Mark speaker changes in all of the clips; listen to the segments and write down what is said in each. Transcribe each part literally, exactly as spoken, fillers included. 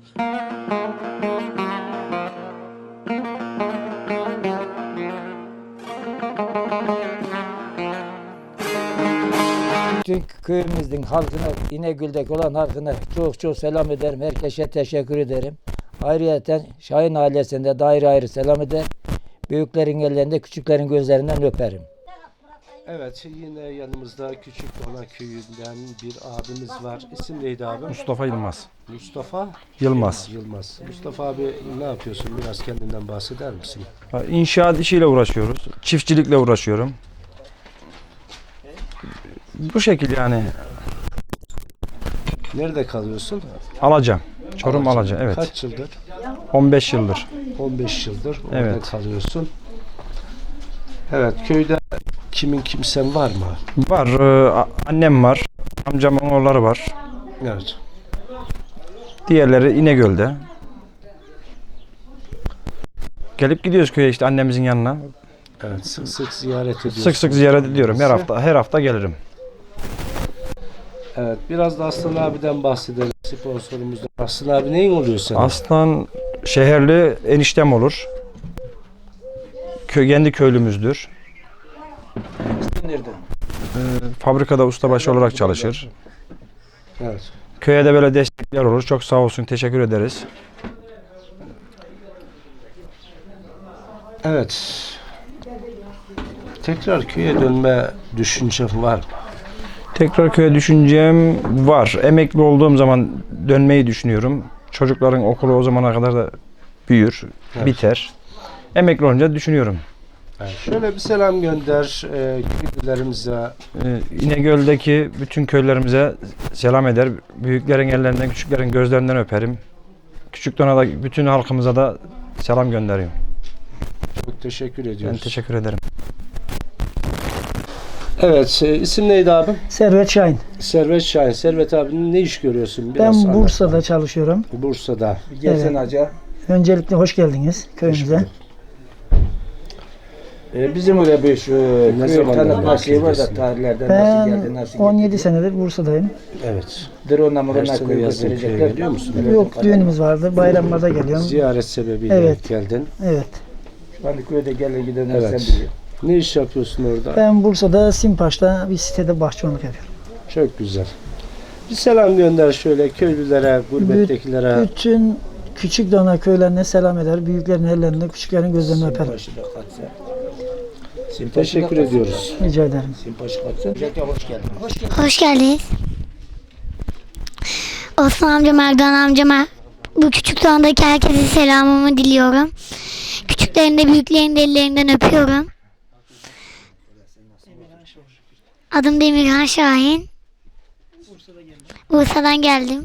Speaker 1: Bütün köyümüzün halkına, İnegöl'deki olan halkına çok çok selam ederim. Herkese teşekkür ederim. Ayrıca Şahin ailesinde de ayrı ayrı selam eder. Büyüklerin ellerinde, küçüklerin gözlerinden öperim.
Speaker 2: Evet, yine yanımızda Küçükdona köyünden bir abimiz var. İsim neydi abi?
Speaker 3: Mustafa Yılmaz.
Speaker 2: Mustafa
Speaker 3: Yılmaz.
Speaker 2: Yılmaz. Mustafa abi ne yapıyorsun? Biraz kendinden bahseder misin?
Speaker 3: İnşaat işiyle uğraşıyoruz. Çiftçilikle uğraşıyorum. Bu şekil yani.
Speaker 2: Nerede kalıyorsun?
Speaker 3: Alaca. Çorum Alaca, evet.
Speaker 2: Kaç yıldır?
Speaker 3: on beş yıldır.
Speaker 2: on beş yıldır orada
Speaker 3: Evet.
Speaker 2: kalıyorsun. Evet, köyde kimin kimsen var mı?
Speaker 3: Var. e, Annem var. Amcamın oğulları var.
Speaker 2: Evet.
Speaker 3: Diğerleri İnegöl'de. Gelip gidiyoruz köye işte annemizin yanına.
Speaker 2: Evet, sık sık ziyaret ediyorsun.
Speaker 3: Sık sık ziyaret ediyorum. Her hafta her hafta gelirim.
Speaker 2: Evet, biraz da Aslan abiden bahsedelim. Sponsorumuzdan. Aslan abi neyin oluyor senin?
Speaker 3: Aslan şehirli eniştem olur. Köy, kendi köylümüzdür.
Speaker 1: Nerede?
Speaker 3: E, fabrikada ustabaşı olarak çalışır.
Speaker 2: Evet.
Speaker 3: Köye de böyle destekler olur. Çok sağ olsun. Teşekkür ederiz.
Speaker 2: Evet. Tekrar köye dönme düşüncem var mı?
Speaker 3: Tekrar köye düşüncem var. Emekli olduğum zaman dönmeyi düşünüyorum. Çocukların okulu o zamana kadar da büyür,
Speaker 2: Evet.
Speaker 3: biter. Emekli olunca düşünüyorum.
Speaker 2: Evet. Şöyle bir selam gönder e, köylülerimize.
Speaker 3: Ee, İnegöl'deki bütün köylerimize selam eder. Büyüklerin ellerinden, küçüklerin gözlerinden öperim. Küçükdon'a da bütün halkımıza da selam gönderiyorum.
Speaker 2: Çok teşekkür
Speaker 3: Ben
Speaker 2: ediyoruz.
Speaker 3: teşekkür ederim.
Speaker 2: Evet, e, isim neydi abim?
Speaker 4: Servet Şahin.
Speaker 2: Servet Şahin. Servet abinin ne iş görüyorsun?
Speaker 4: Ben
Speaker 2: anlat
Speaker 4: Bursa'da
Speaker 2: bana.
Speaker 4: çalışıyorum.
Speaker 2: Bursa'da.
Speaker 1: Gelsen
Speaker 4: Evet.
Speaker 1: Hacı.
Speaker 4: Öncelikle hoş geldiniz köyümüze.
Speaker 1: Ee, bizim öyle bir şu
Speaker 2: Ne
Speaker 1: köy
Speaker 2: zamandan
Speaker 1: tanıtma şeyi var da
Speaker 2: bahsediyorsun?
Speaker 1: tarihlerden nasıl geldi,
Speaker 4: Ben
Speaker 1: nasıl
Speaker 4: on yedi
Speaker 1: gitti.
Speaker 4: senedir Bursa'dayım.
Speaker 2: Evet.
Speaker 1: Drone'la
Speaker 2: Her
Speaker 1: mırona
Speaker 2: sene
Speaker 1: köy
Speaker 2: yazın köye
Speaker 1: gösterecekler.
Speaker 2: geliyor musun?
Speaker 4: Yok, düğünümüz vardı. Bayramlarda geliyorum.
Speaker 2: Ziyaret sebebiyle
Speaker 4: Evet.
Speaker 2: geldin.
Speaker 4: Evet.
Speaker 1: Şu anda köyde gelir gidenler
Speaker 2: Evet.
Speaker 1: sen biliyor.
Speaker 2: Ne iş yapıyorsun orada?
Speaker 4: Ben Bursa'da Simpaş'ta bir sitede bahçıvanlık yapıyorum.
Speaker 2: Çok güzel. Bir selam gönder şöyle köylülere, gurbettekilere.
Speaker 4: Bütün Küçükdona köylerine selam eder. Büyüklerin ellerinde, küçüklerin gözlerini öperim.
Speaker 1: Simpaşı da katsa. Simpaşı
Speaker 2: Teşekkür
Speaker 1: da katsa.
Speaker 2: ediyoruz.
Speaker 4: Rica ederim.
Speaker 1: Simpaşı katsa. Öncelikle hoş geldin. Hoş geldin.
Speaker 5: Hoş geldiniz. Osman amcam, Erdoğan amcama, bu küçük dağındaki herkese selamımı diliyorum. Küçüklerin de büyüklerin de ellerinden öpüyorum. Adım Demirhan Şahin. Bursa'dan geldim.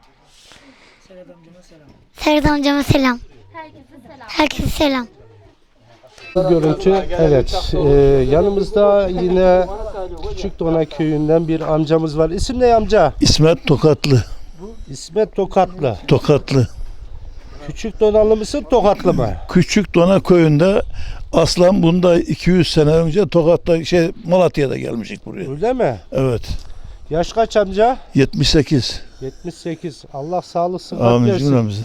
Speaker 5: Serhat amcama selam. Herkese selam.
Speaker 2: Bu görüntü, evet. Ee, yanımızda yine Küçükdona köyünden bir amcamız var. İsim ne amca?
Speaker 6: İsmet Tokatlı.
Speaker 2: İsmet Tokatlı.
Speaker 6: Tokatlı.
Speaker 2: Küçükdonalı mısın, Tokatlı mı?
Speaker 6: Küçük Dona köyünde aslan bunda iki yüz sene önce Tokat'ta şey Malatya'da gelmişik buraya.
Speaker 2: Öyle mi?
Speaker 6: Evet.
Speaker 2: Yaş kaç amca?
Speaker 6: yetmiş sekiz.
Speaker 2: yetmiş sekiz. Allah sağlık sıhhat
Speaker 6: Amin
Speaker 2: versin.
Speaker 6: cümlemize.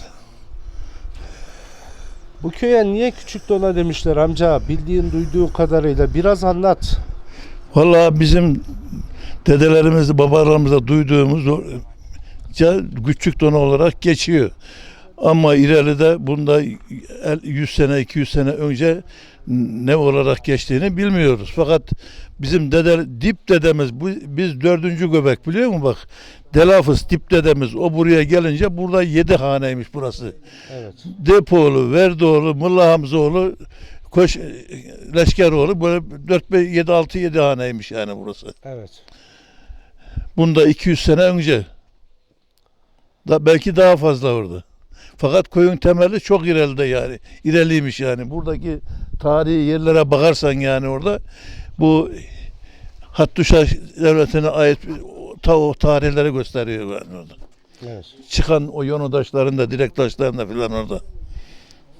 Speaker 2: Bu köye niye Küçükdona demişler amca? Bildiğin, duyduğun kadarıyla biraz anlat.
Speaker 6: Vallahi bizim dedelerimiz, babalarımızda duyduğumuz o- ca- Küçük Dona olarak geçiyor. Ama ileride bunda yüz sene, iki yüz sene önce ne olarak geçtiğini bilmiyoruz. Fakat bizim dede, dip dedemiz, bu, biz dördüncü göbek biliyor musun bak? Delafız dip dedemiz o buraya gelince burada yedi haneymiş burası.
Speaker 2: Evet.
Speaker 6: Depoğlu, Verdoğlu, Mulla Hamzoğlu, Koş, Leşkeroğlu böyle dört yedi altı yedi haneymiş yani burası.
Speaker 2: Evet.
Speaker 6: Bunda iki yüz sene önce. Da, belki daha fazla orada. Fakat köyün temeli çok ileride yani. İleriymiş yani. Buradaki tarihi yerlere bakarsan yani orada bu Hattuşa devletine ait ta o tarihleri gösteriyor yani orada.
Speaker 2: Evet.
Speaker 6: Çıkan o yonu taşlarında, direk taşlarında filan orada.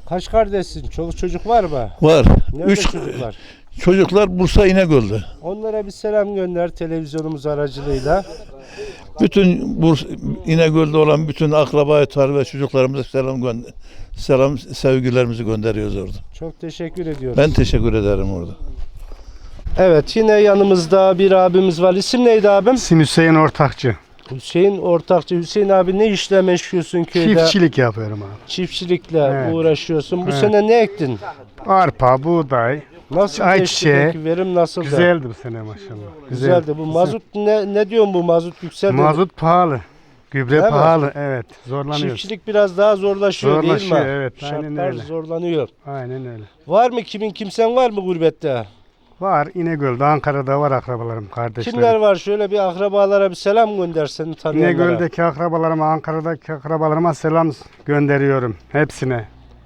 Speaker 2: Kaç kardeşsin? Çoluk çocuk var mı?
Speaker 6: Var.
Speaker 2: Nerede
Speaker 6: Üç
Speaker 2: çocuklar?
Speaker 6: çocuklar Bursa İnegöl'de.
Speaker 2: Onlara bir selam gönder televizyonumuz aracılığıyla.
Speaker 6: Bütün Bursa İnegöl'de olan bütün akraba etar ve çocuklarımıza selam gönder. Selam sevgilerimizi gönderiyoruz orada.
Speaker 2: Çok teşekkür ediyoruz.
Speaker 6: Ben teşekkür ederim orada.
Speaker 2: Evet, yine yanımızda bir abimiz var. İsim neydi abim?
Speaker 7: İsim Hüseyin Ortakçı.
Speaker 2: Hüseyin Ortakçı. Hüseyin abi ne işle meşgulsün köyde?
Speaker 7: Çiftçilik yapıyorum abi.
Speaker 2: Çiftçilikle
Speaker 7: Evet.
Speaker 2: uğraşıyorsun. Bu
Speaker 7: Evet.
Speaker 2: sene ne ektin?
Speaker 7: Arpa, buğday.
Speaker 2: Nasıl
Speaker 7: Ay
Speaker 2: geçti
Speaker 7: çiçeği.
Speaker 2: peki? Verim nasıldı?
Speaker 7: Güzeldi bu sene maşallah.
Speaker 2: Güzeldi. Bu mazot ne ne diyorsun bu mazot yükseldi? mi?
Speaker 7: Mazot pahalı. Gübre
Speaker 2: Değil mi?
Speaker 7: pahalı. Evet. Zorlanıyoruz.
Speaker 2: Çiftçilik biraz daha zorlaşıyor, değil
Speaker 7: Zorlaşıyor,
Speaker 2: mi?
Speaker 7: evet, aynen
Speaker 2: Şartlar
Speaker 7: öyle.
Speaker 2: zorlanıyor.
Speaker 7: Aynen öyle.
Speaker 2: Var mı kimin kimsen var mı gurbette?
Speaker 7: Var İnegöl'de, Ankara'da var akrabalarım, kardeşlerim.
Speaker 2: Kimler var? Şöyle bir akrabalara bir selam gönder seni tanıyanlara.
Speaker 7: İnegöl'deki akrabalarıma, Ankara'daki akrabalarıma selam gönderiyorum. Hepsine.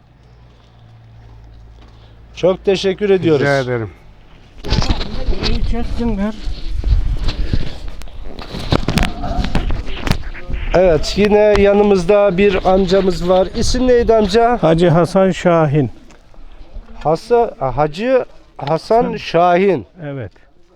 Speaker 2: Çok teşekkür ediyoruz.
Speaker 7: Rica ederim.
Speaker 2: Evet, yine yanımızda bir amcamız var. İsim neydi amca?
Speaker 8: Hacı Hasan Şahin.
Speaker 2: Hasan, Hacı Hasan Şahin.
Speaker 8: Evet.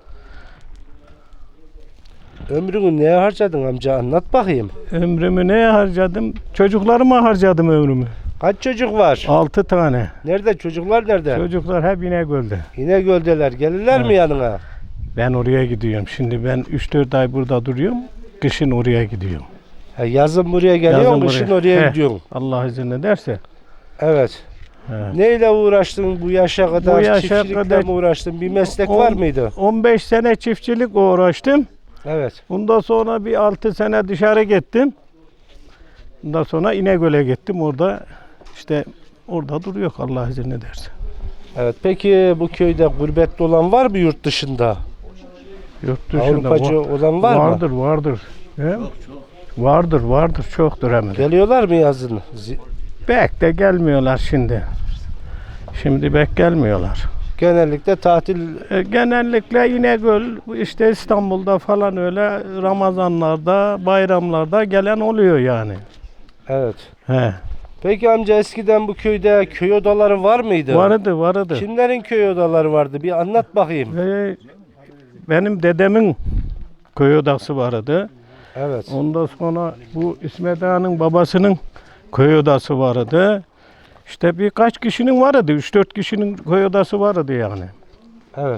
Speaker 2: Ömrünü neye harcadın amca? Anlat bakayım.
Speaker 8: Ömrümü neye harcadım? Çocuklarıma harcadım ömrümü.
Speaker 2: Kaç çocuk var?
Speaker 8: Altı tane.
Speaker 2: Nerede? Çocuklar nerede?
Speaker 8: Çocuklar hep İnegöl'de.
Speaker 2: İnegöl'deler. Gelirler mi yanına?
Speaker 8: Ben oraya gidiyorum. Şimdi ben üç dört ay burada duruyorum. Kışın oraya gidiyorum.
Speaker 2: Ha, yazın buraya geliyorsun,
Speaker 8: Yazın
Speaker 2: kışın
Speaker 8: buraya.
Speaker 2: oraya
Speaker 8: He.
Speaker 2: gidiyorsun.
Speaker 8: Allah izin ederse.
Speaker 2: Evet.
Speaker 8: Evet.
Speaker 2: Neyle uğraştın bu yaşa kadar?
Speaker 8: Bu yaşa
Speaker 2: Çiftçilikle
Speaker 8: kadar-
Speaker 2: mi uğraştın? Bir meslek
Speaker 8: On-
Speaker 2: var mıydı?
Speaker 8: on beş sene çiftçilik uğraştım.
Speaker 2: Evet.
Speaker 8: Bundan sonra bir altı sene dışarı gittim. Bundan sonra İnegöl'e gittim. Orada işte orada duruyor Allah izin ederse.
Speaker 2: Evet. Peki bu köyde gurbette olan var mı yurt dışında?
Speaker 8: Yurt dışında
Speaker 2: Avrupacı
Speaker 8: va-
Speaker 2: olan var
Speaker 8: vardır,
Speaker 2: mı?
Speaker 8: vardır. He? Vardır, vardır. Çoktur hemen.
Speaker 2: Geliyorlar mı yazın? Zi-
Speaker 8: Bek de gelmiyorlar şimdi. Şimdi bek gelmiyorlar.
Speaker 2: Genellikle tatil.
Speaker 8: E, genellikle İnegöl, işte İstanbul'da falan öyle Ramazanlarda, bayramlarda gelen oluyor yani.
Speaker 2: Evet.
Speaker 8: He.
Speaker 2: Peki amca eskiden bu köyde köy odaları var mıydı?
Speaker 8: Vardı, vardı.
Speaker 2: Kimlerin köy odaları vardı? Bir anlat bakayım.
Speaker 8: Ve benim dedemin köy odası vardı.
Speaker 2: Evet.
Speaker 8: Ondan sonra bu İsmet Ağa'nın babasının köy odası vardı. İşte birkaç kişinin vardı. üç dört kişinin köy odası vardı yani.
Speaker 2: Evet.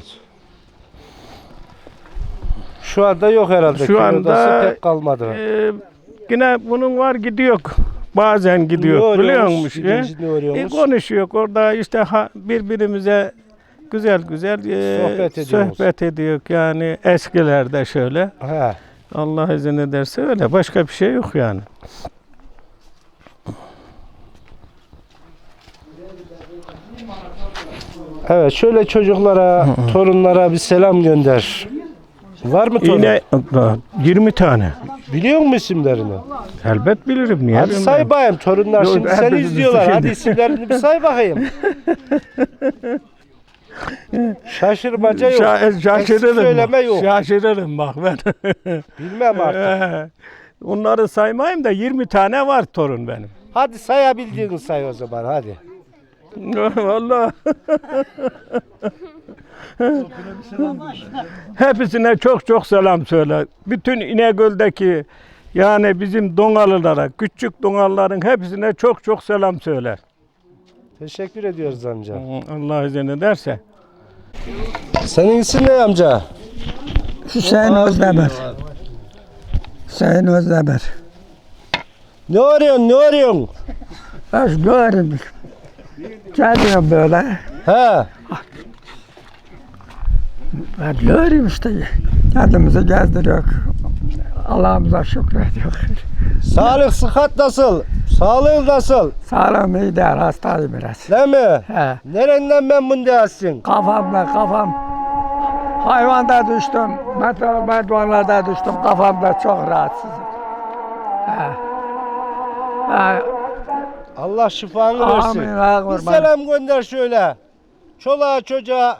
Speaker 2: Şu anda yok herhalde.
Speaker 8: Şu
Speaker 2: köy
Speaker 8: anda,
Speaker 2: odası pek kalmadı.
Speaker 8: Ee, yine bunun var gidiyor. Bazen
Speaker 2: Ne
Speaker 8: gidiyor biliyor
Speaker 2: arıyormuş?
Speaker 8: musun?
Speaker 2: Birinci ne
Speaker 8: E,
Speaker 2: arıyormuş?
Speaker 8: konuşuyor orada işte ha, birbirimize güzel güzel e,
Speaker 2: Sohbet ediyoruz.
Speaker 8: sohbet ediyor yani eskilerde şöyle.
Speaker 2: He.
Speaker 8: Allah izin ederse öyle başka bir şey yok yani.
Speaker 2: Evet, şöyle çocuklara, torunlara bir selam gönder. Var mı torun?
Speaker 8: Yine yirmi tane.
Speaker 2: Biliyor musun isimlerini?
Speaker 8: Elbet bilirim niye
Speaker 2: Hadi
Speaker 8: bilmem.
Speaker 2: say bakayım, torunlar
Speaker 8: Yok,
Speaker 2: şimdi seni
Speaker 8: hepinizi
Speaker 2: izliyorlar.
Speaker 8: şimdi.
Speaker 2: Hadi isimlerini bir say bakayım. Şaşırmaca yok.
Speaker 8: Şa-
Speaker 2: Eksik
Speaker 8: şaşırırım.
Speaker 2: söyleme yok.
Speaker 8: Şaşırırım bak ben.
Speaker 2: Bilmem artık.
Speaker 8: Onları saymayayım da yirmi tane var torun benim.
Speaker 2: Hadi sayabildiğini say o zaman hadi.
Speaker 8: Vallahi. Hepsine çok çok selam söyle. Bütün İnegöl'deki yani bizim Donalılara, küçük Donalıların hepsine çok çok selam söyle.
Speaker 2: Teşekkür ediyoruz amca.
Speaker 8: Allah izin ederse.
Speaker 2: Senin isim ne amca?
Speaker 9: Hüseyin Özdemir. Hüseyin Özdemir.
Speaker 2: Ne arıyorsun, ne arıyorsun?
Speaker 9: Ben görüyorum. Geliyorum böyle.
Speaker 2: He.
Speaker 9: Ben görüyorum işte. Kendimizi gezdiriyor. Allah'ımıza şükrediyor.
Speaker 2: Sağlık, sıhhat nasıl? Sağlığın nasıl?
Speaker 9: Sağlığım iyi değil, hastayım biraz.
Speaker 2: Değil mi?
Speaker 9: He.
Speaker 2: Nereden memnun değilsin?
Speaker 9: Kafamda kafam. Hayvanda düştüm. Metal merdivenlerde düştüm. Kafamda çok rahatsızım. He. He.
Speaker 2: Allah şifanı
Speaker 9: Amin,
Speaker 2: versin.
Speaker 9: ha,
Speaker 2: Bir
Speaker 9: kurban.
Speaker 2: selam gönder şöyle. Çoluğa çocuğa.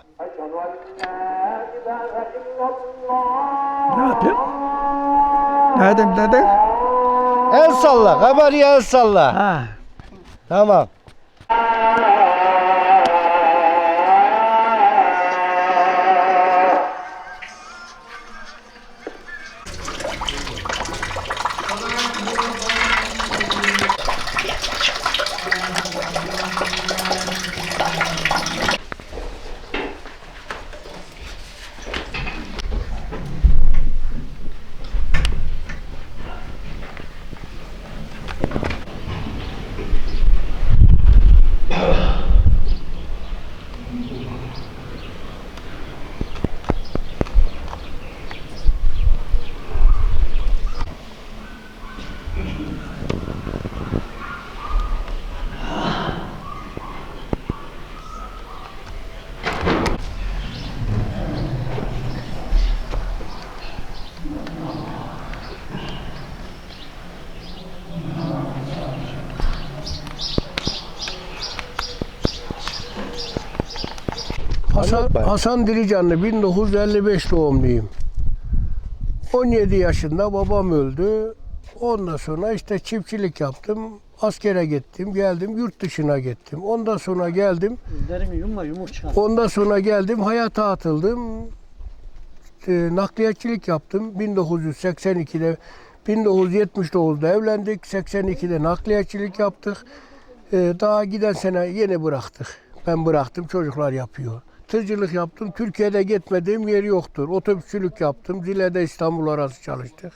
Speaker 9: Ne yapayım? Ne dedim dedin?
Speaker 2: El salla. Kameraya el salla.
Speaker 9: Ha.
Speaker 2: Tamam.
Speaker 10: Hasan, Hasan Dilicanlı bin dokuz yüz elli beş doğumluyum. on yedi yaşında babam öldü. Ondan sonra işte çiftçilik yaptım. Askere gittim, geldim yurt dışına gittim. Ondan sonra geldim. Ondan sonra geldim hayata atıldım. E, nakliyatçılık yaptım. bin dokuz yüz seksen ikide bin dokuz yüz yetmiş dokuzda evlendik. seksen ikide nakliyatçılık yaptık. E, daha giden sene yeni bıraktık. Ben bıraktım, çocuklar yapıyor. Tırcılık yaptım. Türkiye'de gitmediğim yer yoktur. Otobüsçülük yaptım. Zile'de İstanbul arası çalıştık.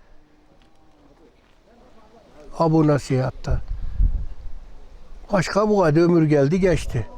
Speaker 10: Abu Nasihat'ta. Başka bu kadar ömür geldi geçti.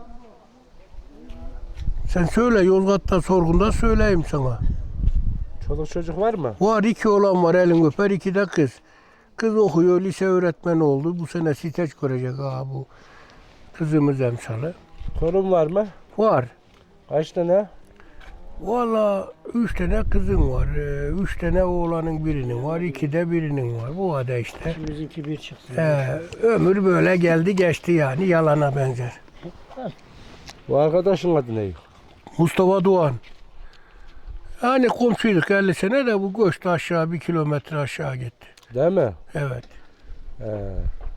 Speaker 10: Sen söyle Yozgat'ta sorgunda söyleyeyim sana.
Speaker 2: Çoluk çocuk var mı?
Speaker 10: Var iki oğlan var elin öper iki de kız. Kız okuyor lise öğretmeni oldu. Bu sene siteç görecek ha bu. Kızımız emsalı.
Speaker 2: Torun var mı?
Speaker 10: Var.
Speaker 2: Kaç tane?
Speaker 10: Valla üç tane kızım var. Ee, Üç tane oğlanın birinin var. İki de birinin var. Bu kadar işte.
Speaker 4: Bizimki bir çıksın.
Speaker 10: Ee, ömür böyle geldi geçti yani yalana benzer.
Speaker 2: Bu arkadaşın adı ne?
Speaker 10: Mustafa Doğan. Yani komşuyduk elli sene de bu göçtü aşağı bir kilometre aşağı gitti.
Speaker 2: Değil mi?
Speaker 10: Evet.
Speaker 2: He.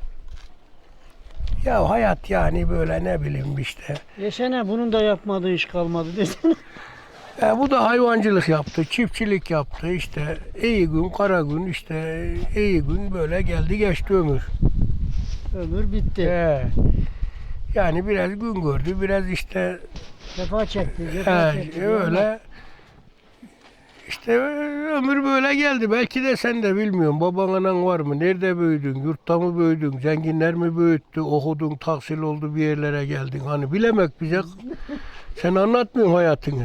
Speaker 10: Ya hayat yani böyle ne bileyim işte.
Speaker 4: Yaşana bunun da yapmadığı iş kalmadı desene.
Speaker 10: E, bu da hayvancılık yaptı, çiftçilik yaptı işte. İyi gün, kara gün işte iyi gün böyle geldi geçti ömür.
Speaker 4: Ömür bitti.
Speaker 10: E, yani biraz gün gördü, biraz işte
Speaker 4: Cefa çekti. Cefa
Speaker 10: e,
Speaker 4: çekti.
Speaker 10: öyle. İşte ömür böyle geldi. Belki de sen de bilmiyorsun. Baban anan var mı? Nerede büyüdün? Yurtta mı büyüdün? Zenginler mi büyüttü? Okudun, tahsil oldu bir yerlere geldin. Hani bilemek bize. Sen anlatmıyorsun hayatını.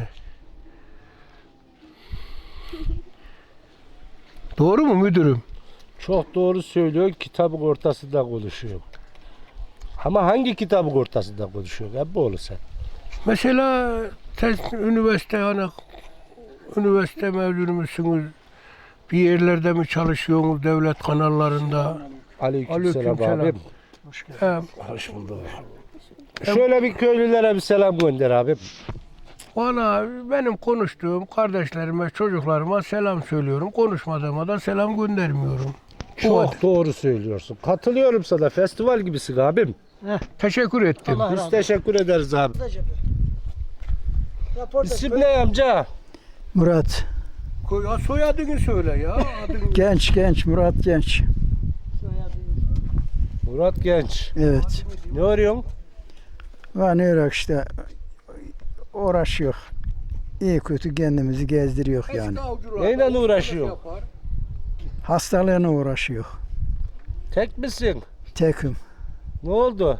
Speaker 10: Doğru mu müdürüm?
Speaker 2: Çok doğru söylüyor. Kitabın ortasında konuşuyor. Ama hangi kitabın ortasında konuşuyor? Hep bu olur sen.
Speaker 10: Mesela siz üniversite hani üniversite mezunu musunuz? Bir yerlerde mi çalışıyorsunuz devlet kanallarında?
Speaker 2: Aleykümselam
Speaker 10: Aleykümselam.
Speaker 2: abim.
Speaker 10: He,
Speaker 2: Hoş bulduk. Şöyle bir köylülere bir selam gönder abim.
Speaker 10: valla benim konuştuğum kardeşlerime, çocuklarıma selam söylüyorum. Konuşmadığıma da selam göndermiyorum. Bu
Speaker 2: Çok
Speaker 10: kadar.
Speaker 2: doğru söylüyorsun. Katılıyorum sana. Festival gibisin abim.
Speaker 10: Teşekkür ettim.
Speaker 4: Allah
Speaker 2: Biz
Speaker 4: razı
Speaker 2: teşekkür ederiz abi.
Speaker 4: olsun. Rapor da-
Speaker 2: İsim ne amca?
Speaker 4: Murat.
Speaker 10: Koy- ya soyadını söyle ya. Adını.
Speaker 4: Genç genç Murat Genç.
Speaker 2: Murat Genç.
Speaker 4: Evet.
Speaker 2: Ne arıyorsun?
Speaker 4: Var ne olarak işte uğraşıyor. İyi kötü kendimizi gezdiriyor yani.
Speaker 10: Eski avcılar,
Speaker 2: Neyle
Speaker 10: avcılık
Speaker 2: uğraşıyor?
Speaker 10: yapar.
Speaker 4: Hastalığına uğraşıyor.
Speaker 2: Tek misin?
Speaker 4: Tekim.
Speaker 2: Ne oldu?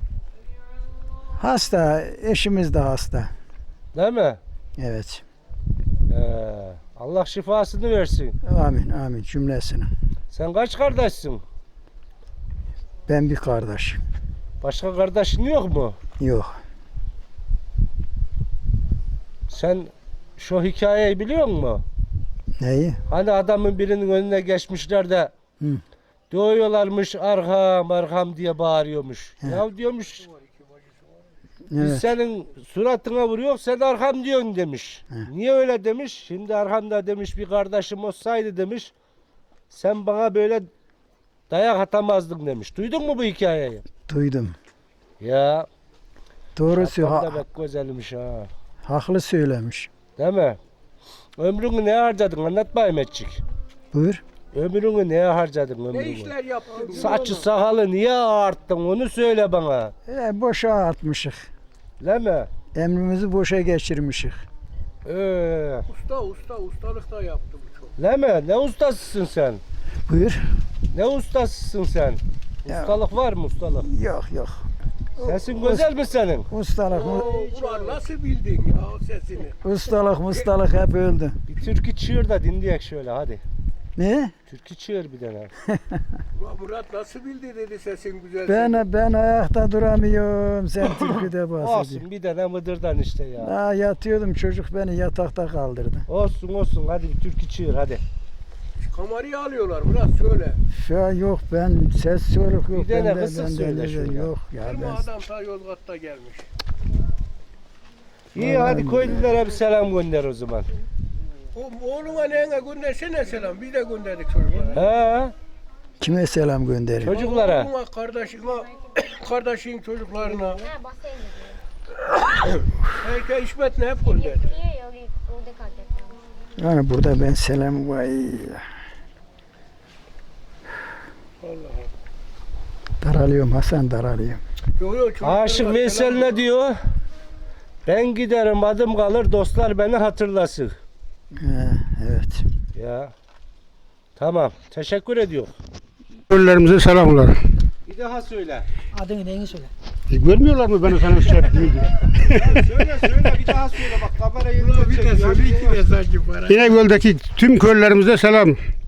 Speaker 4: Hasta, eşimiz de hasta.
Speaker 2: Değil mi?
Speaker 4: Evet.
Speaker 2: Ee, Allah şifasını versin.
Speaker 4: Amin amin cümlesine.
Speaker 2: Sen kaç kardeşsin?
Speaker 4: Ben bir kardeş.
Speaker 2: Başka kardeşin yok mu?
Speaker 4: Yok.
Speaker 2: Sen şu hikayeyi biliyor musun?
Speaker 4: Neyi?
Speaker 2: Hani adamın birinin önüne geçmişler de
Speaker 4: Hı.
Speaker 2: dövüyorlarmış arkam arkam diye bağırıyormuş.
Speaker 4: He.
Speaker 2: Ya diyormuş biz
Speaker 4: Evet.
Speaker 2: senin suratına vuruyor sen arkam diyorsun demiş.
Speaker 4: He.
Speaker 2: Niye öyle demiş? Şimdi arkamda demiş bir kardeşim olsaydı demiş sen bana böyle dayak atamazdın demiş. Duydun mu bu hikayeyi?
Speaker 4: Duydum.
Speaker 6: Ya.
Speaker 4: Doğru
Speaker 6: Şapkan da
Speaker 4: söylüyor.
Speaker 6: pek güzelmiş ha.
Speaker 4: Haklı söylemiş.
Speaker 6: Değil mi? Ömrünü ne harcadın anlat bayım etçik.
Speaker 4: Buyur.
Speaker 6: Ömrünü neye harcadın ömrünü?
Speaker 10: Ne işler yaptın?
Speaker 6: Saçı sakalı niye ağarttın onu söyle bana.
Speaker 4: E, boşa atmışık.
Speaker 6: Değil mi?
Speaker 4: Emrimizi boşa geçirmişik.
Speaker 6: Ee,
Speaker 10: Usta usta ustalık da yaptı bu çok.
Speaker 6: değil mi? Ne ustasısın sen?
Speaker 4: Buyur.
Speaker 6: Ne ustasısın sen?
Speaker 4: Ya.
Speaker 6: Ustalık var mı ustalık?
Speaker 4: Yok yok.
Speaker 6: Sesin güzel mi senin?
Speaker 4: Ustalık mı?
Speaker 10: Ulan nasıl bildin ya o sesini?
Speaker 4: Ustalık mustalık hep öldü.
Speaker 6: Bir türkü çığır da dinleyek şöyle hadi.
Speaker 4: Ne?
Speaker 6: Türkü çığır bir tane.
Speaker 10: Ulan Murat nasıl bildi dedi sesin güzel.
Speaker 4: Ben ben ayakta duramıyorum. Sen türküde bahsediyorsun.
Speaker 6: Olsun bir tane mıdırdan işte ya.
Speaker 4: Daha yatıyordum, çocuk beni yatakta kaldırdı.
Speaker 6: Olsun olsun hadi bir türkü çığır hadi.
Speaker 10: Kamerayı alıyorlar Murat söyle.
Speaker 4: Şu an yok, ben ses soruk yok.
Speaker 6: Bir tane
Speaker 4: bende,
Speaker 6: kısık
Speaker 4: bende
Speaker 6: söyle
Speaker 4: öyle
Speaker 6: şöyle.
Speaker 4: yok ya
Speaker 10: Benim
Speaker 4: ben.
Speaker 10: adam ta Yozgat'ta gelmiş.
Speaker 6: İyi hadi köylülere bir selam gönder o zaman.
Speaker 10: O, oğluna neyine göndersene selam. Biz de gönderdik çocuklara.
Speaker 6: He?
Speaker 4: Kime selam gönderiyor?
Speaker 6: Çocuklara.
Speaker 10: Oğluna, kardeşine, kardeşin çocuklarına. Herkes İsmet'le hep gönderdik.
Speaker 4: Yani burada ben selam vay. Daralıyorum Hasan, daralıyorum.
Speaker 10: Yo, yo, çocuklara
Speaker 6: Aşık Veysel
Speaker 10: selam.
Speaker 6: ne diyor? Ben giderim adım kalır dostlar beni hatırlasın.
Speaker 4: He, evet.
Speaker 6: Ya. Tamam. Teşekkür ediyor.
Speaker 7: Köylülerimize selamlar.
Speaker 6: Bir daha söyle.
Speaker 4: Adını neyini söyle?
Speaker 7: E, görmüyorlar mı beni sana şey yaptığımı?
Speaker 6: söyle söyle bir daha söyle bak kamera
Speaker 10: Ulan bir de söyle iki mesaj para.
Speaker 7: İnegöl'deki tüm köylülerimize selam.